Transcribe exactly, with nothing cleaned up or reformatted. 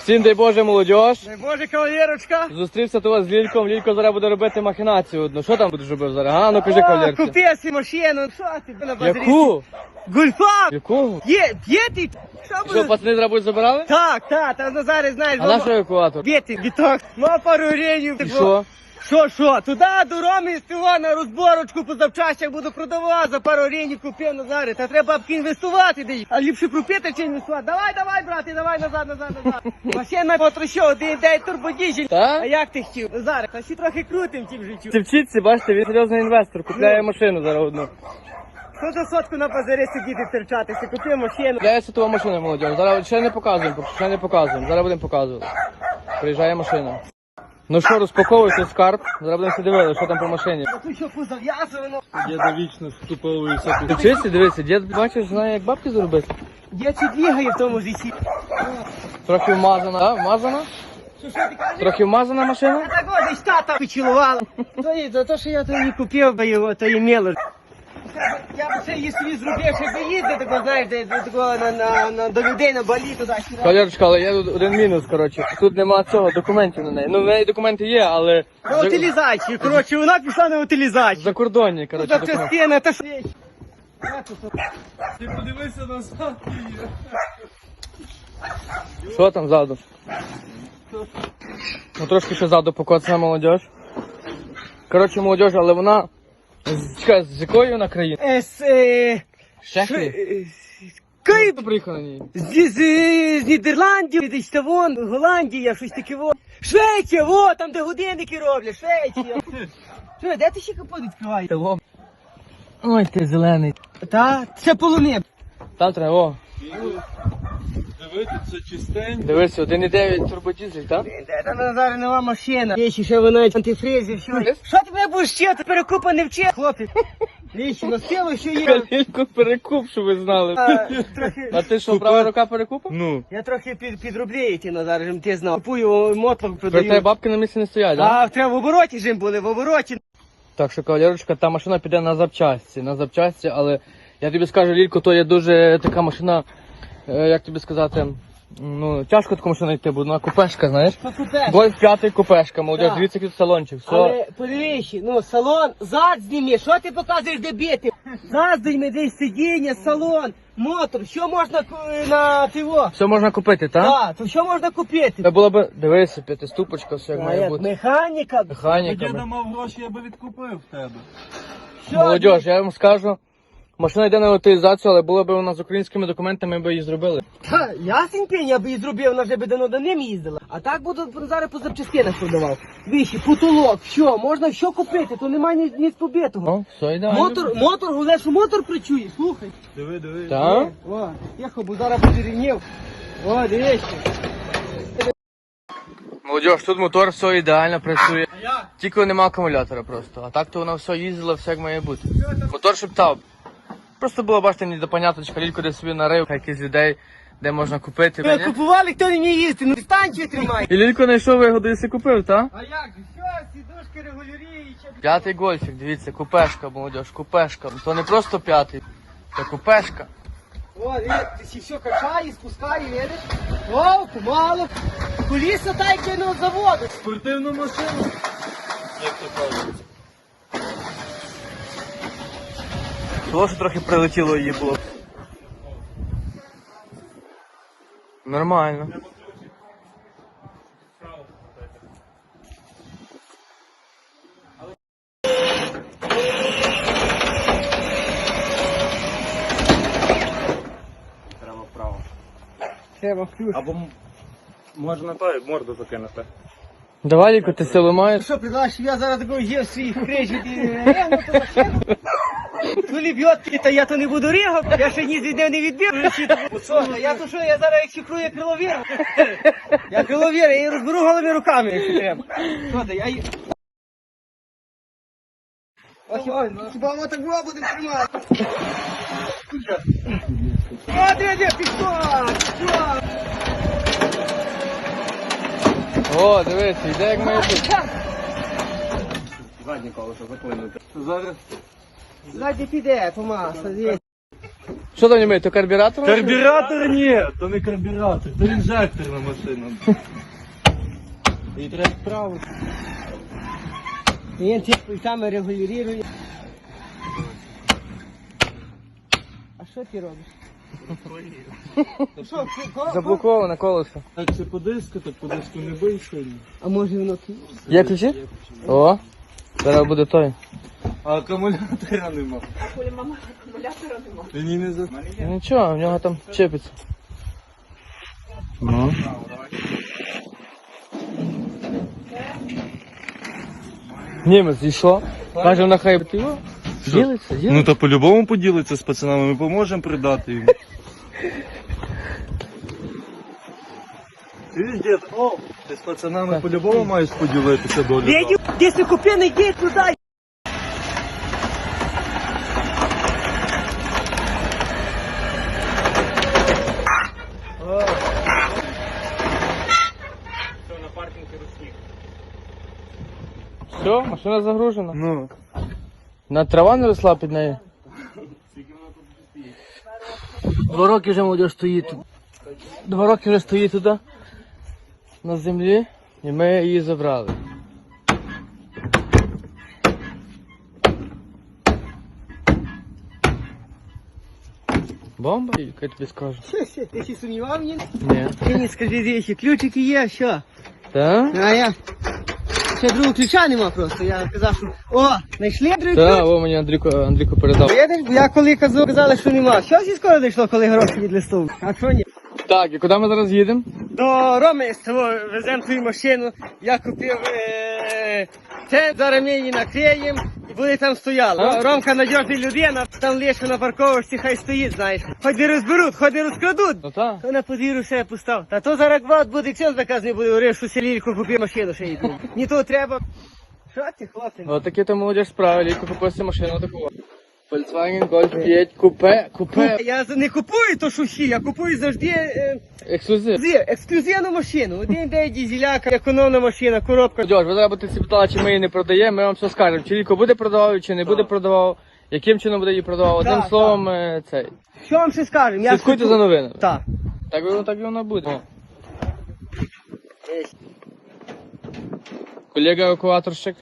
Всім дай Боже, молодіж. Дай Боже, кавалерочка. Зустрівся тут з Лільком. Лілько зараз буде робити махінацію одну. Що там будеш робити зараз? А, ну кажи, кавалерці. Купи собі машину. Що ти на базарі? Яку? Гульфа. Яку? Є, є ти? Що Що, буде? пацани зараз будуть забирали? Так, так, та Назари, знаєш. А наш евакуатор? Є ти, біток. Ма пару гривень. І що? Що, що? Туди до Роми з того на розборочку по запчастях буду продавати, за пару гривень купив Назари. Та треба б інвестувати десь. А ліпше пропити чи інвестувати. Давай, давай, брате, давай назад, назад, назад. Машина потрощу, один день турбодіжель. Та? А як ти хотів? Назари, та ще трохи крутим тим життю. Ти вчиться, бачите, він серйозний інвестор, купляє машину зараз одну. Що за сотку на базарі сидіти терчатися? Купив машину. Купляється твоя машина, молодіж. Зараз ще не показуємо, поки ще не показуємо. Зараз будемо показувати. Приїжджає машина. Ну що, розпаковуйте скарб. Зараз будемо дивитися, що там по машині. А тут що позав'язано? Діда вічно скуповується. Ти вчишся, дивися, дід, бачиш, знає, як бабки заробити. Я чи двігає в тому житті. Трохи вмазана, а? Вмазана? Що, що ти кажеш? Трохи вмазана машина? Я так ось тата поцілувала. То є, за те, що я то не купив би його, то є мелоч. Я б ще її собі зробив, щоб їздити, тако, знаєш, де, до, такого, на, на, на, до людей на балі туди-сюди. Кавалерочка, але є тут один мінус, коротше. Тут нема цього, документів на неї. Ну, в неї документи є, але... На утилізацію, коротше, вона пішла на утилізацію. Закордонні, коротше, Та документи. частина, та що... Ти подивися на садки. Що там ззаду? Ну, трошки ще ззаду покоцана молодіж. Коротше, молодіж, але вона... з- Чекай, з якої вона країни? Е, з, е, Шехлі? е, Київ. Хто приїхав на ній? З, з, з Нідерландів, десь та вон, Голландія, щось таке во. Швеція, во, там де годинники роблять, Швеція. Що, де ти ще капот відкриваєш? Того. Ой, ти зелений. Та, це полуни. Там треба, о. Дивіться, чистенько. Дивися, один і дев'ять турбодізель, так? Де там Назари нова машина? Є ще вона антифризі, все. Що ти мене будеш вчити? Перекупа не вчи, хлопець. Вічі, на силу, що є. Калільку перекуп, щоб ви знали. А, трохи... А ти що, права рука перекупа? Ну. Я трохи під, підроблюю ті Назари, щоб ти знав. Купую мотлок, Про тебе продаю. бабки на місці не стоять, так? А, треба в обороті жим були, в обороті. Так що, кавалерочка, та машина піде на запчасті, на запчасті, але я тобі скажу, Лілько, то є дуже така машина, е, як тобі сказати, ну, тяжко таку машину йти, бо вона купешка, знаєш? Що купеш? Гольф п'ятий купешка, молодіж, Так. дивіться, який тут салончик, все. Але подивись, ну салон, зад зніми, що ти показуєш де бити? Зад зніми, десь сидіння, салон, мотор, що можна ку- на тиво? Все можна купити, так? Так, то що можна купити? Це було б, дивися, п'ятиступочка, все як А має як бути. механіка, Діда Механіками. мав гроші, я би відкупив в тебе. що? Молодіж, я вам скажу, машина йде на утилізацію, але була б вона з українськими документами, ми б її зробили. Та, ясень пень, я би і зробив, вона вже би давно до ним їздила. А так буду зараз по запчастинах продавав. Віші, потолок, що, можна що купити, то немає ні, ні побитого. Ну, все йде. Мотор, мотор, головне, що мотор причує, слухай. Диви, диви. Так? О, тихо, бо зараз буде рівнів. О, дивіться. Молодіж, тут мотор все ідеально працює. Тільки нема акумулятора просто. А так то воно все їздило, все як має бути. Мотор шептав. Просто було, бачите, не до поняточка, Лілько десь собі нарив, якісь людей, де можна купити. Ви Ні? купували, хто не їсти, ну дистанцію тримай. І Лілько знайшов вигоду і си купив, так? А як? Що, сідушки регулюючі? П'ятий гольфік, дивіться, купешка, молодіж, купешка. То не просто п'ятий, це купешка. О, видиш, ти ще все качає, спускає, видиш? О, помало. Куліса та й кинув з заводу. Спортивну машину. Як то кажуть. Того, що трохи прилетіло її було. Нормально. Треба вправо. Треба ключ. Або м- можна той морду закинути. Давай, Лілько, ти силу маєш? Що, предлагаєш, щоб я зараз такого є в свій хрежі регну, то машину? Коли б'єт, та я то не буду рігати, я ще ні від нього не відбив. Що, я то що, я зараз як шифрую криловір. Я криловір, я її розберу голими руками, якщо треба. Що ти, я її... Ось, ой, хіба воно так було буде тримати? О, де, де, пішла, пішла. О, дивись, йде як має бути. Заднє колесо заклинути. Зараз Ззаді піде, Томас, звідси. Що Що там німей, то карбюратор? Карбюратор ні, то не карбюратор, то інжекторна машина. І треба справити. Він ці пультами регулює. А що ти робиш? Що, ко- Заблоковане колесо. Так це по диску, так по диску не бий сильно. А може воно ки- Є ключі? О, зараз буде той. А акумулятора нема. Мама, акумулятора нема. Він і не за... Ну, нічого, в нього там чепиться. Ну. Німець зійшов. Каже, на хай ти його. Ділиться, ділиться. Ну то по-любому поділиться з пацанами, ми поможемо придати йому. Ти ж дід, о, ти з пацанами по-любому маєш поділитися долю. Дядю, де си купив, не йди туди. Все, машина загружена. Ну. На трава не росла під нею. Два роки вже молодь стоїть тут. Два роки вже стоїть туди, на землі, і ми її забрали. Бомба? Яка я тобі скажу? Що, що, ти ще сумнівав мені? Ні. Ти не скажи, речі, ключики є, що? Так? А я... Ще другого ключа нема просто, я казав, що... О, знайшли другий ключ? Так, о, мені Андрійко, Андрійко передав. Видиш, бо я коли казав, казали, що нема. Що всі скоро дійшло, коли гроші від листов? А що ні? Так, і куди ми зараз їдемо? До Роми з того веземо твою машину. Я купив е- це, зараз ми її накриємо і буде там стояла. А? Ромка надіжна людина, там лише на парковочці хай стоїть, знаєш. Хоч не розберуть, хоч не розкрадуть. Ну так. То на подвір'ю все постав. Та то зараз гвалт буде, все заказ не буде, говорив, що селільку купив машину ще йду. Ні то треба. Що ти, хлопці? Ось такі то молодіж справи, ліко купився машину таку. Volkswagen Golf п'ять, купе, купе. Я не купую то шуші, я купую завжди е, Ексклюзив. ексклюзив- ексклюзивну машину. Один день дізеляка, економна машина, коробка. Дьош, ви зараз будете питали, чи ми її не продаємо, ми вам все скажемо. Чи Ліко буде продавав, чи не буде продавав, яким чином буде її продавав. Одним Так, словом, е, цей. Що вам ще скажемо? Я Слідкуйте скажу- за новинами. Так. Так воно так і воно буде. О. Колега евакуаторщик.